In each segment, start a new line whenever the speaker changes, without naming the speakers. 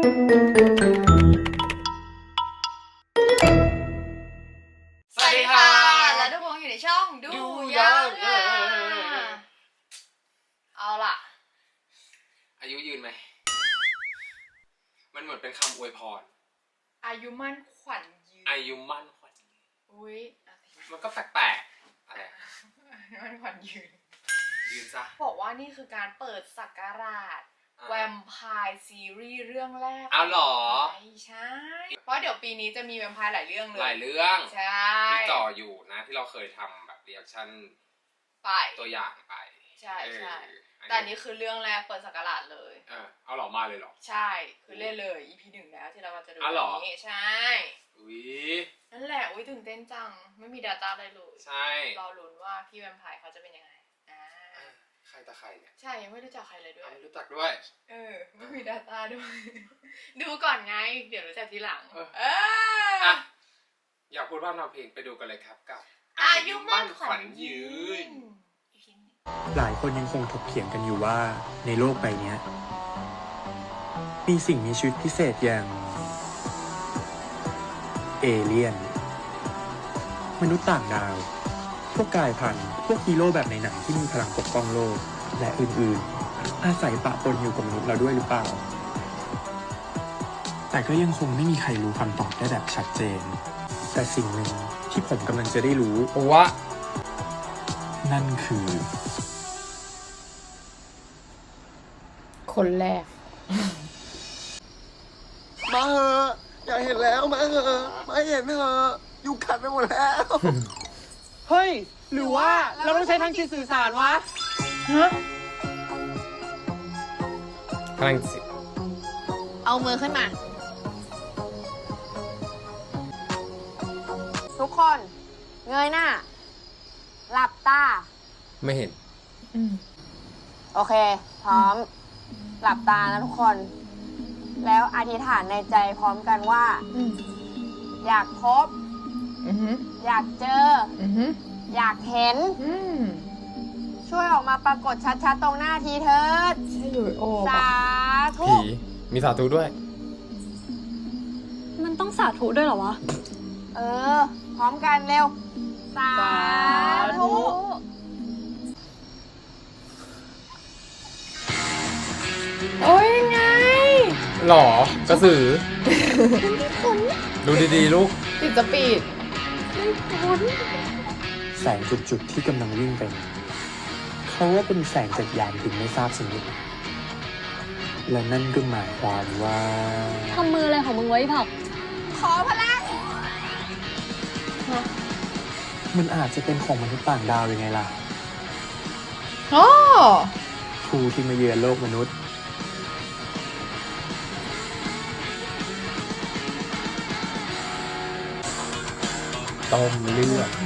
สวัสดีค่ะและทุกคนอยู่ในช่องดูยังเอาล่ะ
อายุยืนไหมมันเหมือนเป็นคำอวยพร
อายุมั่นขวัญยืน
อายุมั่นขวัญ
อุ้ย
มันก็แปลกๆอะไร
มั่นขวัญยืน
ซะ
บอกว่านี่คือการเปิดศักราชแวมไพร์ซีรีส์เรื่องแรก
เอาหรอ
ใช่เพราะเดี๋ยวปีนี้จะมีแวมไพร์หลายเรื่องเลย
หลายเรื่อง
ใช่
ที่จ่ออยู่นะที่เราเคยทำแบบรีแอคชั่น
ไป
ตัวอย่างไป
ใช่ใช่แต่อันนี้คือเรื่องแรกเปิดศักราชเลย
เอาหรอมาเลยหรอ
ใช่คือเล่นเลย EP 1แล้วที่เราจะดูวันนี้ใช่
อุ้ย
นั่นแหละอุ้ยตื่นเต้นจังไม่มี data อะไรเลย
ใช่
รอลุ้นว่าพี่แวมไพร์เขาจะเป็นยังไง
ใครตะใครเนี่ย
ใช่ยังไม่รู้จักใครเลยด้วย
ไม่รู้จักด้วย
ไม่มี data ด้วยดูก่อนไงเดี๋ยวรู้จักทีหลัง
อยากพูดว่าเราเพลงไปดูกันเลยครับกับ
อายุมั่นขวัญยืน
หลายคนยังคงถกเถียงกันอยู่ว่าในโลกใบนี้มีสิ่งมีชีวิตพิเศษอย่างเอเลี่ยนมนุษย์ต่างดาวพวกกายพันธุ์พวกฮีโร่แบบในหนังที่มีพลังปกป้องโลกและอื่นๆอาศัยปะปนอยู่กับมนุษย์เราด้วยหรือเปล่าแต่ก็ยังคงไม่มีใครรู้คำตอบได้แบบชัดเจนแต่สิ่งหนึ่งที่ผมกำลังจะได้รู้
ว่า
นั่นคือ
คนแรก
มาเหอะอยากเห็นแล้วมาเหอะมาเห็นเหอะยุงกัดไปหมดแล้ว
เฮ้ยหรือว่าเราต้องใช้ทางจิตสื่อสารวะ
พลังจิต
เอามือขึ้นมา
ทุกคนเงยหน้าหลับตา
ไม่เห็น
โอเคพร้อมหลับตานะทุกคนแล้วอธิษฐานในใจพร้อมกันว่าอยากพบอยากเจออยากเห็นช่วยออกมาปรากฏชัดๆตรงหน้าทีเถิด
ใช่อยู่โอ้
สาธุ
ผีมีสาธุด้วย
มันต้องสาธุด้วยเหรอวะ
พร้อมกันเร็วสาธุ
โอ้ยไง
หรอกระสือดูดีๆลูก
ติดสปีด
แสงจุดๆที่กำลังวิ่งไปเขาว่าเป็นแสงจากยานถึงไม่ทราบชนิดและนั่นก็หมายความว่า
ทำมืออะไรของมึงไว้ผัก
ขอพลัง
มันอาจจะเป็นของมนุษย์ต่างดาวยังไงล่ะผู้ที่มาเยือนโลกมนุษย์
ต้มเลือด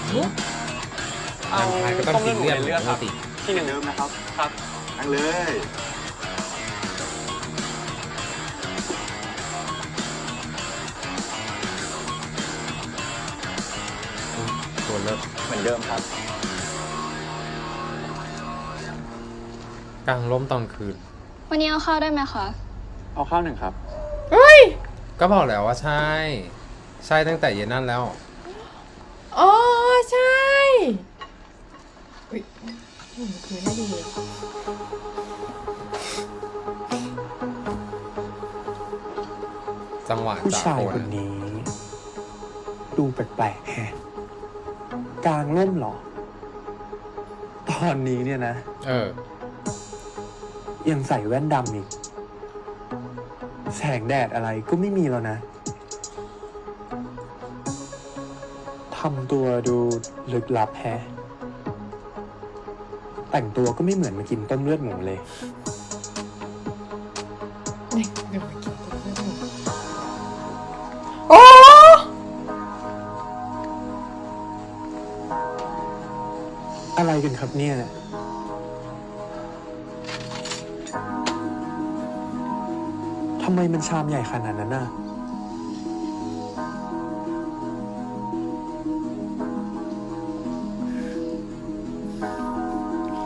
เอา
ก็ต้องกินเลือด
ครับที่หนึ่งเดิมนะครับครับนั่งเลย
ตัวเลือด
เหมือนเดิมครับ
กลางร่มตอนคืน
วันนี้เอาข้าวได้ไหมคะ
เอาข้าวหนึ่งครับ
ก็บอกแล้วว่าใช่ตั้งแต่เย็นนั่นแล้ว
อ๋อใช่คือน่าดี
จังหวะ
ผู้ชายคนนี้ดูแปลกๆแฮะกลางร่มหรอตอนนี้เนี่ยนะยังใส่แว่นดำอีกแสงแดดอะไรก็ไม่มีแล้วนะทำตัวดูลึกลับแฮะแต่งตัวก็ไม่เหมือนมากินต้มเลือดหมูเลย
โอ้
อะไรกันครับเนี่ยทำไมมันชามใหญ่ขนาดนั้นน่ะ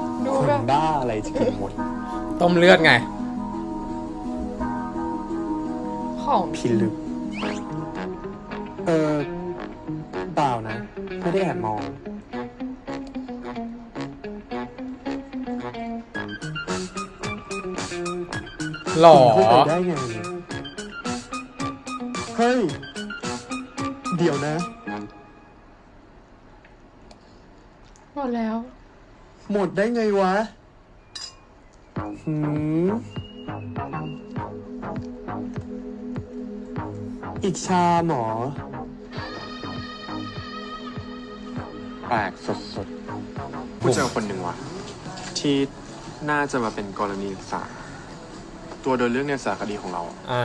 คนบ้าอะไรจะกินหมด
ต้มเลือดไง
ของ
พิลึก เปล่านะ ไม่ได้แอบมอง
หล่อ
เข้าไปได้ไงเนี่ยเฮ้ย เดี๋ยวนะ
หมดแล้ว
หมดได้ไงวะหืมอีกชาหมอ
แปลกสุดๆผู้เจอคนหนึ่งว่ะ ที่น่าจะมาเป็นกรณีศึกษา ตัวโดยเรื่องในสารคดีของเรา
อ่า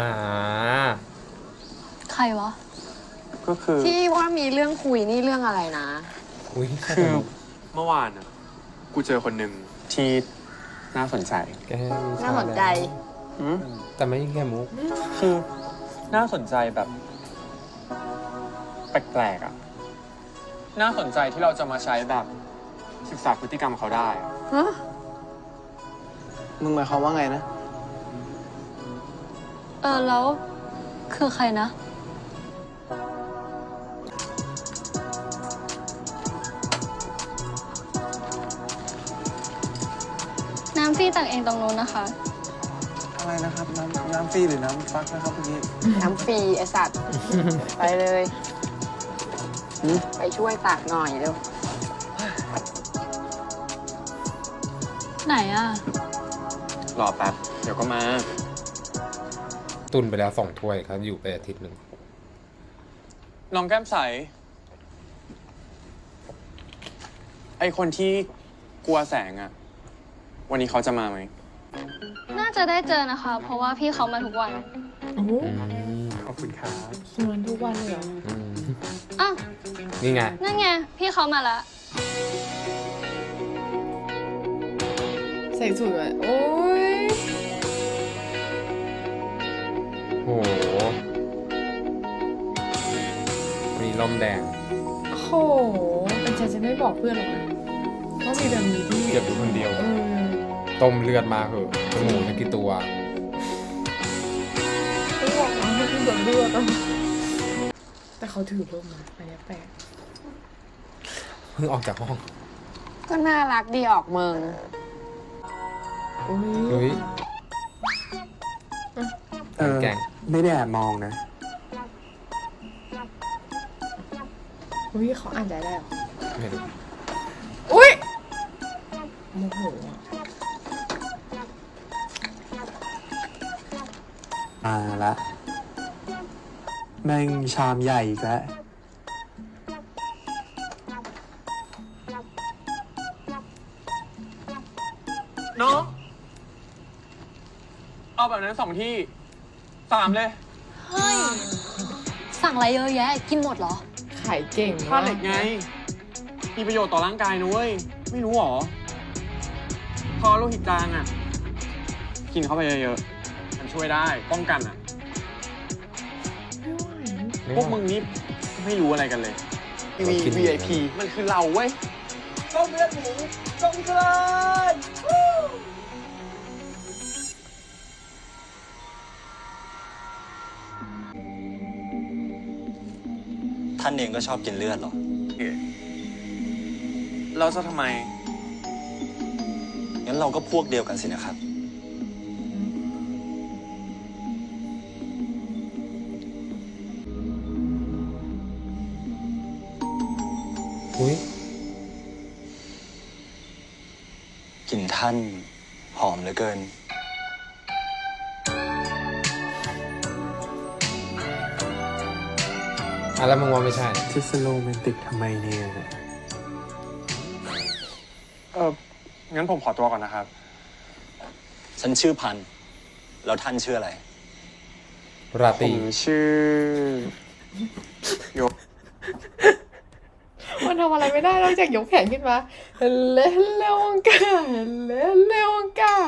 ใครวะ
ก็คือ
ที่ว่ามีเรื่องคุยนี่เรื่องอะไรนะ
อุ้ย
คือเมื่อวานอ่ะ กูเจอคนหนึ่งที่น่าสนใจ
แกมีช
น่าสนใจ
แต่ไม่แค่มุก
คือน่าสนใจแบบแปลกๆอ่ะ น่าสนใจที่เราจะมาใช้แบบศึกษาพฤติกรรมเขาได้อะ
ฮะ
มึงหมายความว่าไงนะ
แล้วคือใครนะ น้ำฟรีตักเองตรงนู้นนะคะ
อะไรนะครับ น้ำฟรีหรือน้ำฟักนะครับเมื่อกี้
น้ำฟรีไอสัตว์ ไปเลยไปช่วยตักหน่อยเร็ว
ไหนอ่ะ
รอแป๊บ เดี๋ยวก็มา
ตุนไปแล้ว2 ถ้วยครับอยู่ไปอาทิตย์หนึ่ง
น้องแก้มใส ไอคนที่กลัวแสงอะวันนี้เขาจะมาไหม
น่าจะได้เจอนะคะ เพราะว่าพี่เขามาทุกวัน
โอ้โห
ขอบคุณครับ
ชวนทุกวันเลยเหรอ
อ้าว
นี่ไง
นั่นไง พี่เขามาละ
ใส่สูทไว้โอ้ย
โหมีลมแดง
โอ้โหเป็นฉันจะไม่บอกเพื่อนหรอกนะว่ามีแบบนี้ที่
เก็บอยู่คนเดียว ต้มเลือดมาเหอะจมูกทั้งกี่ตัว
ไม่บอกนะให้กินแบบเลือดอะแต่เขาถือร่มนะอันเนี้ยแปลก
เพิ่งออกจากห้อง
ก็น่ารักดีออกเมือง
อุ้
เฮ้
ย
ย แกล้ง
ไม่ได้แอบมองนะ
อุ้ยเขาอ่านใจได้เหรอ
ไม่รู้
อุ้ยโมโหอะ
มาละแม่งชามใหญ่อีกแล้ว
น้อง เอาแบบนั้น2 ที่ 3 เลย
เฮ้ย สั่งอะไรเยอะแยะ กินหมดเหรอ
ขายเก่ง
ธาตุเหล็กไง มีประโยชน์ต่อร่างกายนะเว้ย ไม่รู้หรอ พอโลหิตจางอ่ะ กินเข้าไปเยอะๆ มันช่วยได้ ป้องกันอ่ะ พวกมึงนี่ไม่รู้อะไรกันเลย
VIP
มันคือเราเว้ย
ต้มเลือดหมูต้มกลาน
ท่านเองก็ชอบกินเลือดเหรอ
เราจะทำไม
งั้นเราก็พวกเดียวกันสินะครับ
อุ้ย
กลิ่นท่านหอมเหลือเกิน
แล้วมึงว่าไม่ใช่
จะสโลแมนติกทำไมเนี่ย
งั้นผมขอตัวก่อนนะครับ
ฉันชื่อพันธุ์แล้วท่านชื่ออะไร
รา
ผ
ตรี
มชื่อ โย
มันทำอะไรไม่ได้นอกจากยกแขนขึ้นมาเล่นเร็วงกาเล่นเร็วงกา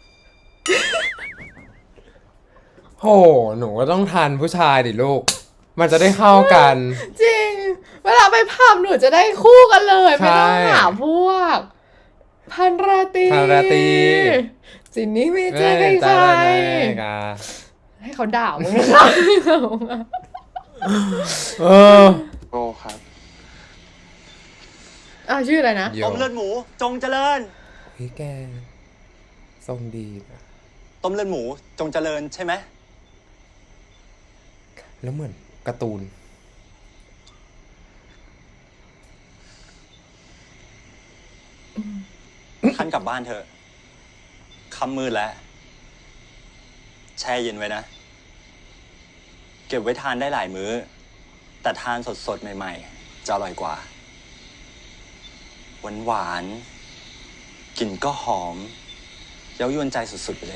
โห หนูก็ต้องทานผู้ชายดิลูก มันจะได้เข้ากัน
จริง เวลาไปผับหนูจะได้คู่กันเลย
ใช่
ไม่ต้องหาพวก พันราตรี
พันราตรี
สินนี้ไม่เจอใคร
เอ้ย
ใคร
ตาละแน่กา
ให้เขาด่ามึง
เออ
โก้ครับ
ชื่ออะไรนะ
โย
ต้มเลือดหมู จงเจริญ
เฮ้ยแกทรงดีนะ
ต้มเลือดหมูจงเจริญใช่ไหม
แล้วเหมือนการ์ตูน
ท่านกลับบ้านเถอะค่ำมืดแล้ว แช่เย็นไว้นะ เก็บไว้ทานได้หลายมื้อ แต่ทานสดๆ ใหม่ๆ จะอร่อยกว่า หวานๆ กลิ่นก็หอม เย้ายวนใจสุดๆ ไปเลย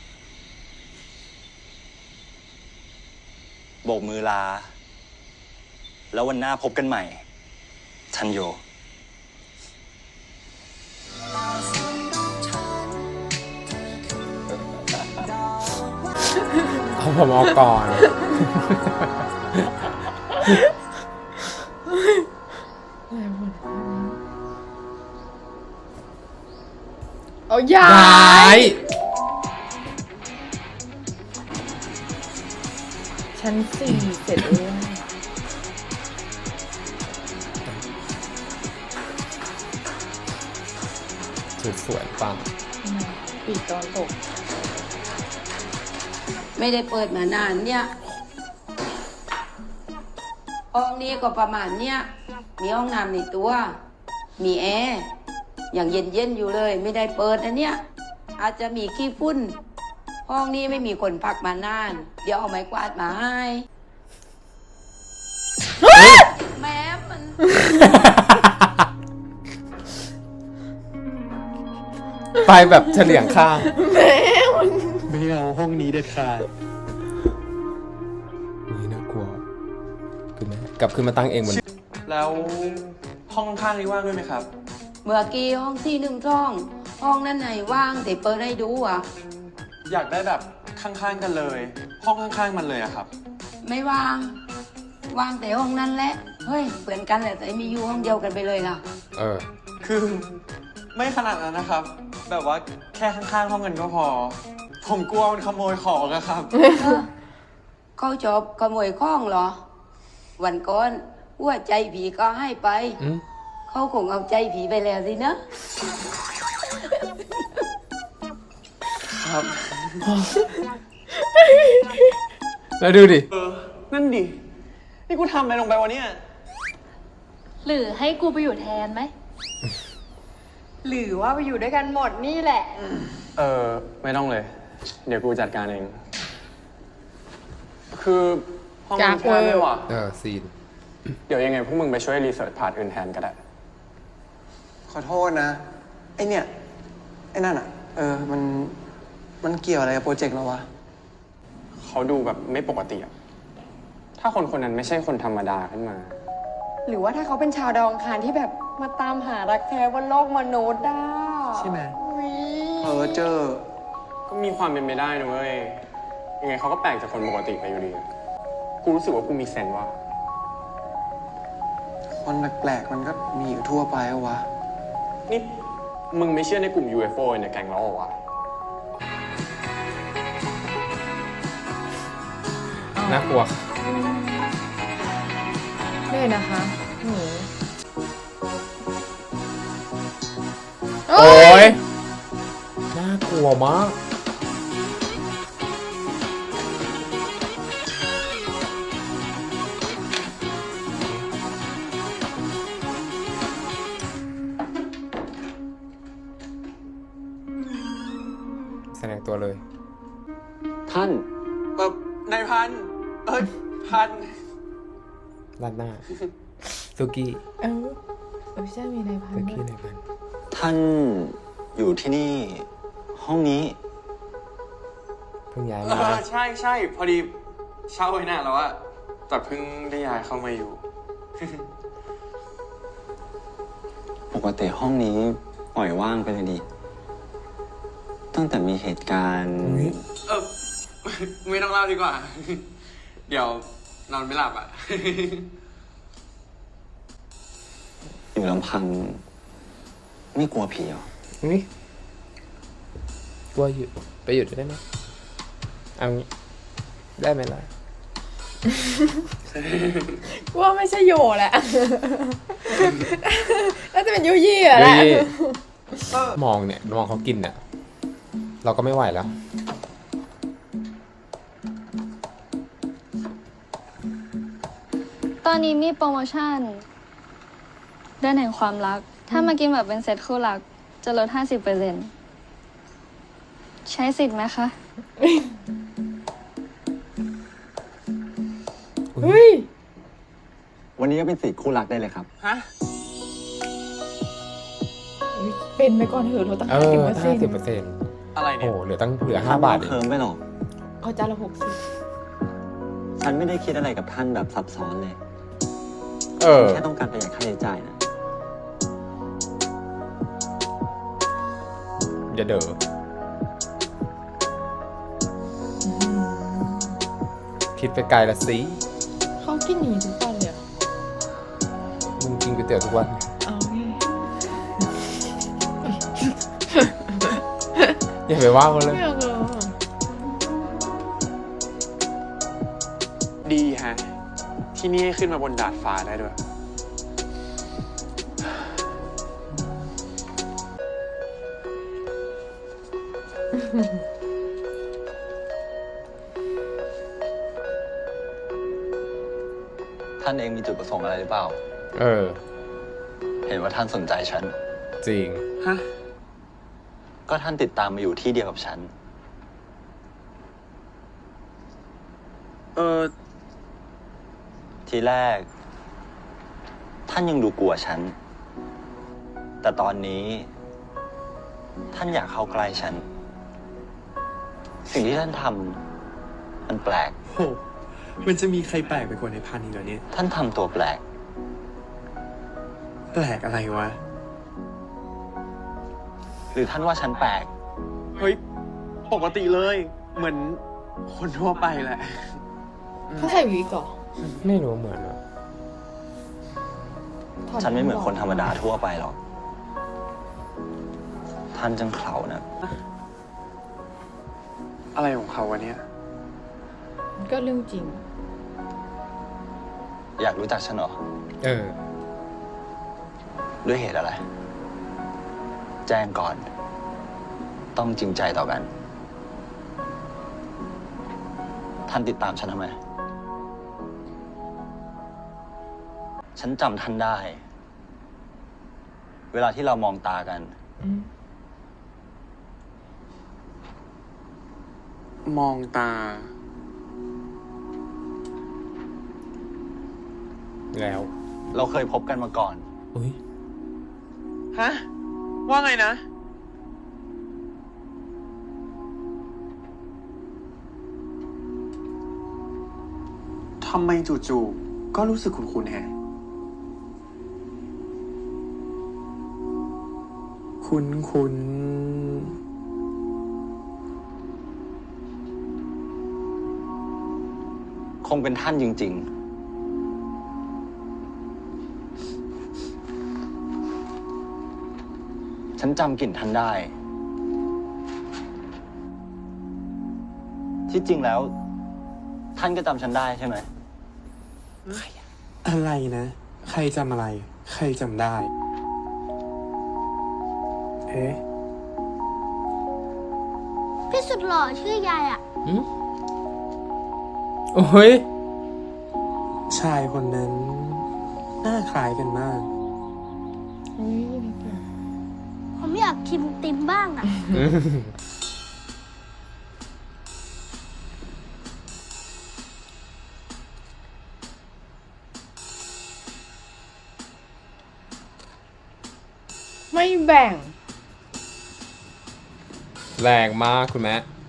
โบกมือลา แล้ววันหน้าพบกันใหม่ ทันโย
เอาผมเอาก่อน
เอาย้า
ย้าย ย
ชั้น 4 เสร็จแล้ว
สุดสวยปัง
ปีกตอนตก
ไม่ได้เปิดมานานเนี่ย ห้องนี้ก็ประมาณเนี่ย มีห้องน้ำในตัว มีแอร์ อย่างเย็นๆอยู่เลย ไม่ได้เปิดนะเนี่ย อาจจะมีขี้ฝุ่น ห้องนี้ไม่มีคนพักมานาน เดี๋ยวเอาไม้กวาดมาให้แม้มัน
ไปแบบเฉลียงข้าง
ไม่เอาห้องนี้เด็ดขาด
นี่น่ากลัวขึ้นไหมกลับขึ้นมาตั้งเองเหมือน
แล้วห้องข้างๆนี้ว่างด้วยไหมครับ
เมื่อกี้ห้องที่1 ห้องนั้นไหนว่างแต่เปิดให้ดูอ่ะ
อยากได้แบบข้างๆกันเลย ห้องข้างๆมันเลยอะครับ
ไม่ว่าง ว่างแต่ห้องนั้นแหละ เฮ้ยเหมือนกันแหละแต่มีอยู่ห้องเดียวกันไปเลยล่ะ
เออ
คือไม่ขนาดนั้นนะครับ แบบว่าแค่ข้างๆห้องกันก็พอ ผมกลัวมันขโมยของอะครับ
เขาจบขโมยข้องเหรอ วันก่อนหัวใจผีก็ให้ไป
อืม
เขาคงเอาใจผีไปแล้วสินะ
ครับ
แล้วดูดิ
นั่นดิ นี่กูทำอะไรลงไปวะเนี่ย
หรือให้กูไปอยู่แทนไหม
หรือว่าไปอยู่ด้วยกันหมดนี่แหละ
ไม่ต้องเลย เดี๋ยวกูจัดการเอง คือห้อง
จา
มั
ก
นแคบเลยว่ะ
ซีน
เดี๋ยวยังไงพวกมึงไปช่วยรีเสิร์ชพาร์ทอื่นแทนก็ได้
ขอโทษนะ ไอเนี่ย ไอนั่นอ่ะ มันเกี่ยวอะไรกับโปรเจกต์เราวะ
เขาดูแบบไม่ปกติอะถ้าคนคนนั้นไม่ใช่คนธรรมดาขึ้นมา
หรือว่าถ้าเขาเป็นชาวดาวอังคารที่แบบมาตามหารักแท้บนโลกมนุษย์ได้
ใช่ไหม
อุ๊ย
เจอ
ก็มีความเป็นไปได้นะเว้ย ยังไงเขาก็แปลกจากคนปกติไปอยู่ดี กูรู้สึกว่ากูมีเซนส์ว่า
คนแปลกๆมันก็มีอยู่ทั่วไปอะวะ
นี่มึงไม่เชื่อในกลุ่ม UFO ในแก๊งเราเหรอวะ
น่ากลัว
นี่นะคะหนู
โอ้ย น่ากลัวมาก แสดงตัวเลย
ท่าน
นายพัน พัน
ด้านหน้า สุกี้
ใช่มีในพัน
สุ
ธุ์
กี้
ด้วย
ในพัน
ท่านอยู่ที่นี่ ห้องนี้
เพิ่งย้ายมา
ใช่พอดีเช่าไว้นานแล้วอะแต่เพิ่งได้ย้ายเข้ามาอยู่
ปกติห้องนี้ปล่อยว่างไปเลยดิ ตั้งแต่มีเหตุการณ์
อุ๊ย
ไม่ต้องเล่าดีกว่า เดี๋ยว นอนไม่หลับอะ
อยู่ลำพัง ไม่กลัวผีเหรอ
อุ๊ยกลัวหยุดไปหยุดได้ไหมเอางี้ได้ไหมล่ะ
ว่าไม่ใช่โยแหละ น่าจะเป็นยูยี่อะแหละ
ยูยี่ มองเนี่ยมองเขากินเนี่ย เราก็ไม่ไหวแล้ว
ตอนนี้มีโปรโมชั่นเดือนแห่งความรัก ถ้ามากินแบบเป็นเซตคู่รัก จะลด 50%ใช้สิทธิ์ไหมคะ
เฮ้ย
วันนี้ก็เป็นสิทธิ์คู่รักได้เลยครับ
ฮะ
เป็นไปก่อนเถอะเราตั้ง
เอ
50%
อ50%
อะไร
โอ้
เนี่ย
เหลือ5 บาทเอ
เคิ
ง
มไม่หรอก
เอาจานละ60
ฉันไม่ได้คิดอะไรกับท่านแบบซับซ้อนเลย
เออ
แค่ต้องการประหยัดค่าใช้จ่ายนะ
อย่าเด้อคิดไปไกลละสิ
เขากินอย่างนี้ทุกวันเลยเหรอ
มึงกินก๋วยเตี๋ยวทุกวัน
เอาไง
อย่าไปว่าเขาเลย
ไม่เอาเลย
ดีฮะ ที่นี่ให้ขึ้นมาบนดาดฟ้าได้ด้วย
ท่านเองมีจุดประสงค์อะไรหรือเปล่า
เออ
เห็นว่าท่านสนใจฉัน
จริง
ฮะ
ก็ท่านติดตามมาอยู่ที่เดียวกับฉัน ทีแรก ท่านยังดูกลัวฉัน แต่ตอนนี้ ท่านอยากเข้าใกล้ฉัน สิ่งที่ท่านทำมันแปลก
โห มันจะมีใครแปลกไปกว่าในพันอีกเหรอเนี่ย
ท่านทำตัวแปลก
แปลกอะไรวะ
หรือท่านว่าฉันแปลก
เฮ้ย ปกติเลย เหมือนคนทั่วไปแหละ
เขาใส่วิกเหรอ
ไม่รู้เหมือนอะ
ถด
ฉันไม่เหมือนคนธรรมดาทั่วไปหรอก ท่านจังเขานะ
อะไรของเขาวะเนี่ย
ก็เรื่องจริง
อยากรู้จักฉันเหรอ
เออ
ด้วยเหตุอะไร แจ้งก่อน ต้องจริงใจต่อกัน ท่านติดตามฉันทำไม ฉันจำท่านได้ เวลาที่เรามองตากัน
มองตา
แล้ว
เราเคยพบกันมาก่อน
อุ้ย
ฮะ ว่าไงนะ ทำไมจู่ๆ ก็รู้สึกคุ้นๆแฮะ
คุณ
คงเป็นท่านจริง ๆ ฉันจำกลิ่นท่านได้ ที่จริงแล้ว ท่านก็จำฉันได้ใช่ไหม
อะไรนะ ใครจำอะไร ใครจำได้ เอ๊ะ
พี่สุดหล่อชื่อยายอ่ะ
โอ้ย
ชายคนนั้นหน้าคล้ายกันมาก
ผมอยากชิมติมบ้างอ่ะ
ไม่แบ่ง
แรงมากคุณแม่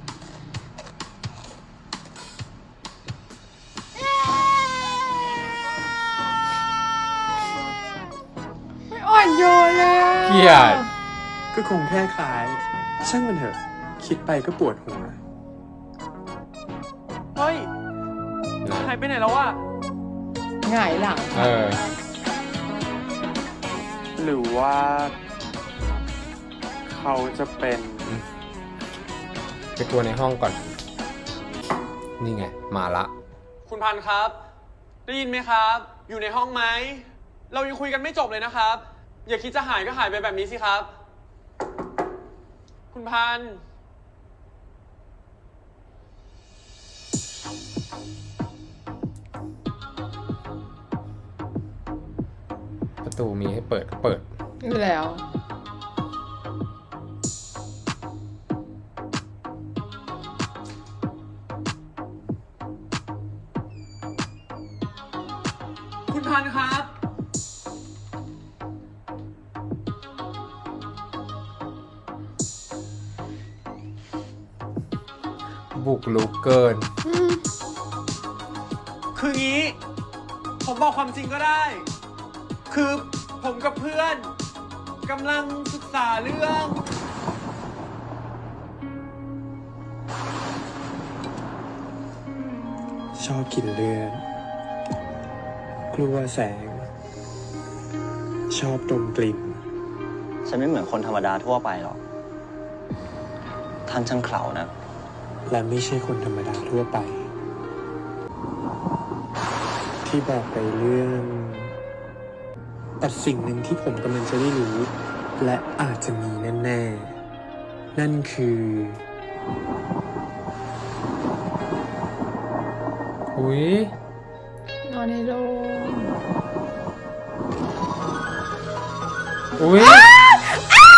ไม่อ่อนโยนเลยอะ
เกลียด
ก็คงแค่คล้าย ช่างมันเถอะ คิดไปก็ปวดหัว
เฮ้ย หายไปไหนแล้ววะ
หงายหลัง
เออ
หรือว่า เขาจะเป็น
ไปกลัวในห้องก่อนนี่ไง มาละ
คุณพันธุ์ครับ ได้ยินไหมครับ อยู่ในห้องไหม เรายังคุยกันไม่จบเลยนะครับ อย่าคิดจะหายก็หายไปแบบนี้สิครับ คุณพันธุ์
ประตูมีให้เปิดก็เปิด
อยู่แล้ว
คุณพันธุ์ครับ
บุกลุกเกิน
คืองี้ ผมบอกความจริงก็ได้ คือผมกับเพื่อนกำลังศึกษาเรื่อง
ชอบกินเลือด กลัวแสง ชอบดมกลิ่น
ฉันไม่เหมือนคนธรรมดาทั่วไปหรอก ท่านช่างเขลานะ
และไม่ใช่คนธรรมดาทั่วไป ที่บอกไปเรื่อง แต่สิ่งหนึ่งที่ผมกำลังจะได้รู้ และอาจจะมีแน่ๆ นั่นคือ
อุ้ย
นอนในโรง
อุ้ย
แวมไพร์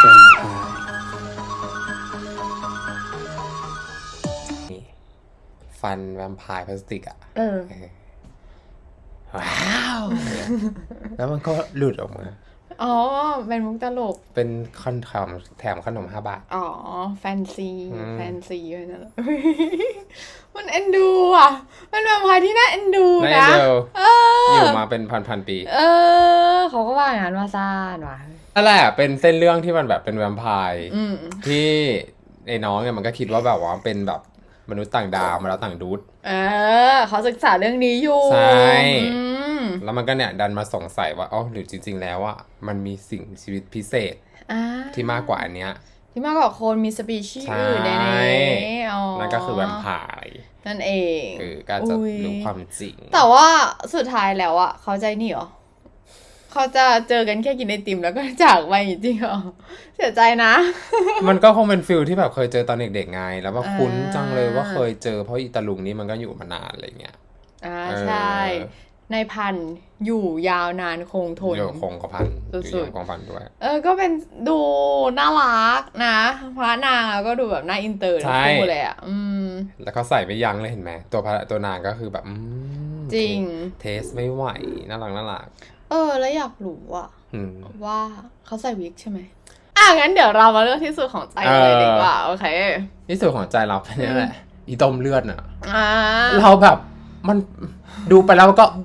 นี่ฟันแวมไพร์พลาสติกอ่ะ
เออ
ว้าวเนี่ยแล้วมันก็หลุดออกมา
อ๋อ เป็นมุกตลก
เป็นคอนแถมขนม5 บาท
อ๋อ แฟนซี
อืม
แฟนซีเลยนะ มันเอ็นดูอ่ะ มันเป็นพายที่น่าเอ็นดู
น่า
นะ
เอ็นดู
เอ
อยู่
อ
มาเป็นพันปี
เออ เขาก็ว่าอย่างนั้นว่าซ่านว่ะ
นั่นแหละเป็นเส้นเรื่องที่มันแบบเป็นแวมไพร์
อืม
ที่ไอ้น้องเนี่ยมันก็คิดว่าแบบว่าเป็นแบบมนุษย์ต่างดาวมาแล้วต่างดูด
เออ เขาศึกษาเรื่องนี้อยู่
ใช่
อืม
แล้วมันก็เนี่ยดันมาสงสัยว่าอ๋อหรือจริง ๆ แล้วอ่ะมันมีสิ่งชีวิตพิเศษ
อ่า
ที่มากกว่าอันเนี้ย
ที่มากกว่าคนมีสปีชีส์
ใช่
อื่นในนี้อ๋อ
นั่นก็คือแวมไพร์
นั่นเอง
ก็จะ
อุ๊ย
รู้ความจริง
แต่ว่าสุดท้ายแล้วอ่ะ เขาใจนี่เหรอ เขาจะเจอกันแค่กินไอติมแล้วก็จากไปจริงเหรอ เสียใจนะ
มันก็คงเป็นฟิลที่แบบเคยเจอตอนเด็กๆไง แล้วว่า
อ่า
คุ้นจังเลยว่าเคยเจอเพราะอีตาลุงนี้มันก็อยู่มานานอะไรเงี้ย
อ่า
เออ
ใช่ ในพันธุ์อยู่ยาวนานคงทน
อยู่คงกระพัน
สุดๆ
อยู่คงพันด้วย
ก็เป็นดูน่ารักนะพระนางก็ดูแบบน่าอินเตอร์ทั้งคู่เลยอ่ะ
แล้วเขาใส่ไม่ยั้งเลยเห็นไหมตัวนางก็คือแบบ
จริง
เทสไม่ไหวน่ารัก
แล้วอยากรู้อ่ะ
อืม
ว่าเขาใส่วิกใช่ไหมงั้นเดี๋ยวเรามาเลือกที่สุดของใจเลยดีกว่า โอเค
ที่สุดของใจเราเป็นนี่แหละ อีต้มเลือดน่ะ
อ่า
เราแบบมันดูไปแล้วก็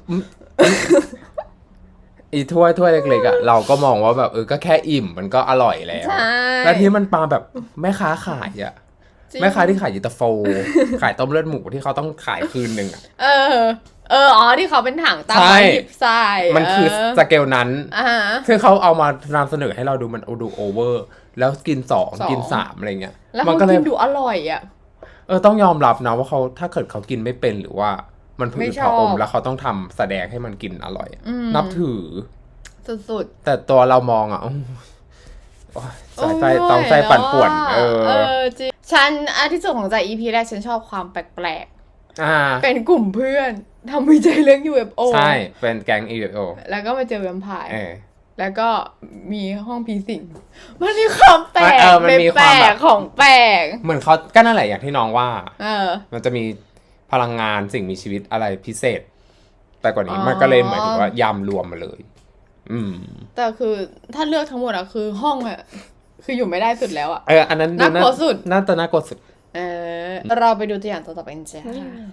อีถ้วยเล็กๆอ่ะเราก็มองว่าแบบก็แค่อิ่มมันก็อร่อยแล้ว
ใช่
แล้วที่มันปาแบบแม่ค้าขายอ่ะ
จริง
แม่ค้าที่ขายยูตาโฟ ขายต้มเลือดหมูที่เขาต้องขายคืนหนึ่งอ่ะ
ที่เขาเป็นถังตาม
ใช่
ไม้หยิบใส่
มันคือสเกลนั้นคือเขาเอามานำเสนอให้เราดูมันดูโอเวอร์ แล้วกิน2กิน3อะไรเงี้ย
แล้ว
มั
เขา
ก็เลย
กินดูอร่อยอ่ะ
ต้องยอมรับนะว่าเขาถ้าเกิดเขากินไม่เป็นหรือว่ามันผื
ไม่
ด
ชอบ
ผะอมแล้วเขาต้องทำแสดงให้มันกินอร่อยอะ
อืม
นับถือ
สุด
แต่ตัวเรามองอ่ะโอ้ยสายไฟต้องไฟปั่นป่วน
จริงฉันที่สุดของใจ EP แรกฉันชอบความแปลก
อ่า
ๆเป็นกลุ่มเพื่อนทำวิจัยเรื่อง UFO
ใช่เป็นแก๊ง UFO
แล้วก็มาเจอแวมไพร์
เออ
แล้วก็มีห้องผีสิงมันมีความแปลก
มันมีความแบบ
ของแปลก
เหมือนเขาก็นั่นแหละอย่างที่น้องว่า
อ
มันจะมีพลังงานสิ่งมีชีวิตอะไรพิเศษ แต่กว่านี้
อ๋อ
มันก็เลยหมายถึงว่ายำรวมมาเลย
แต่คือถ้าเลือกทั้งหมดอะคือห้องอะคืออยู่ไม่ได้สุดแล้วอะ
อันนั้น
น่ากลัวสุด
น่าจะน่ากลัวสุด
เราไปดูตัวอย่างต่อไปกันจ้า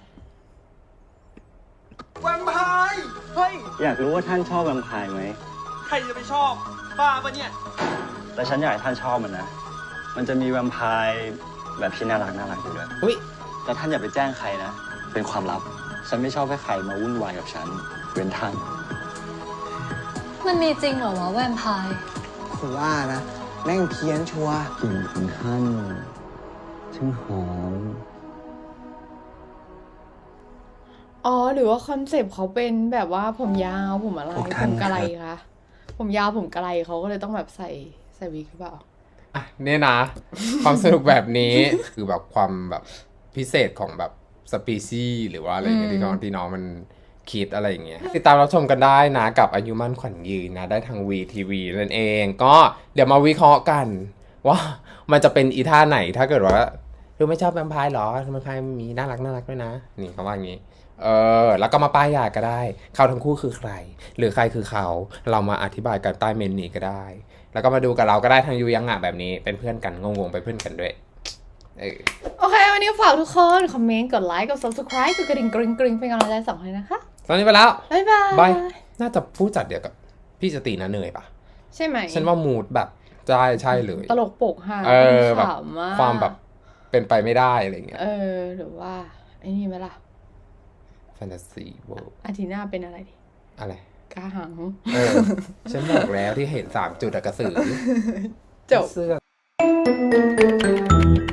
แวมไพร์เฮ้ย
อยากรู้ว่าท่านชอบแวมไพร์ไหม
ใครจะไปชอบ บ้าปะเนี่ย
แต่ฉันอยากให้ท่านชอบมันนะ มันจะมีแวมไพร์แบบที่น่ารักอยู่ด้วย
อุ๊ย
แต่ท่านอย่าไปแจ้งใครนะ เป็นความลับ ฉันไม่ชอบให้ใครมาวุ่นวายกับฉัน เว้นท่าน
มันมีจริงเหรอวะแวมไพร์
ผมว่านะ แม่งเพี้ยนชัวร์
กลิ่นของท่านช่างหอม
อ๋อหรือว่าคอนเซปต์เขาเป็นแบบว่าผมยาวผมอะไร
พวก
ผ
ท่าน
มกะไร
ครับ
คะผมยาวผมกะไรเขาก็เลยต้องแบบใส่วิกหรือเปล่า
อ่ะเนี่ยนะ ความสนุกแบบนี้ คือแบบความแบบพิเศษของแบบสปีซี่หรือว่าอะไรเงี้ยที่น้องมันคิดอะไรอย่างเงี้ยติดตามรับชมกันได้นะกับอายุมั่นขวัญยืนนะ ได้ทาง VTV นั่นเอง ก็เดี๋ยวมาวิเคราะห์กัน ว่ามันจะเป็นอีท่าไหนถ้าเกิดว่าไม่ชอบแวมไพร์หรอแวมไพร์มีน่ารักด้วยนะ นี่เขาว่าอย่างงี้ แล้วก็มาป้ายยาก็ได้ เขาทั้งคู่คือใคร หรือใครคือเขา เรามาอธิบายกันใต้เมนนี้ก็ได้ แล้วก็มาดูกับเราก็ได้ทางยูยังอ่ะแบบนี้ เป็นเพื่อนกันงงๆไปนเพื่อนกันด้วย
โอเค วันนี้ฝากทุกคน คอมเมนต์ กดไลค์ กด subscribe กดกระดิ่งกริ๊งเป็นกำลังใจ2คนนะคะ
ตอนนี้ไปแล้ว
บ๊ายบาย
บาย น่าจะผู้จัดเดียวกับพี่สตินะเนยปะ
ใช่ไหม
ฉันว่ามูดแบบใช่เลย
ตลกโปกฮา
แบบ
ขำมาก
ความแบบเป็นไปไม่ได้อะไรเงี้ย
หรือว่าไอ้นี่ไหมล่ะ
แฟนตาซีเวิลด์
อาทิตย์หน้าเป็นอะไรดี
อะไร
กาหัง
ฉันบอกแล้วที่เห็น3 จุดอะกระสือ
จบ
เสื้อ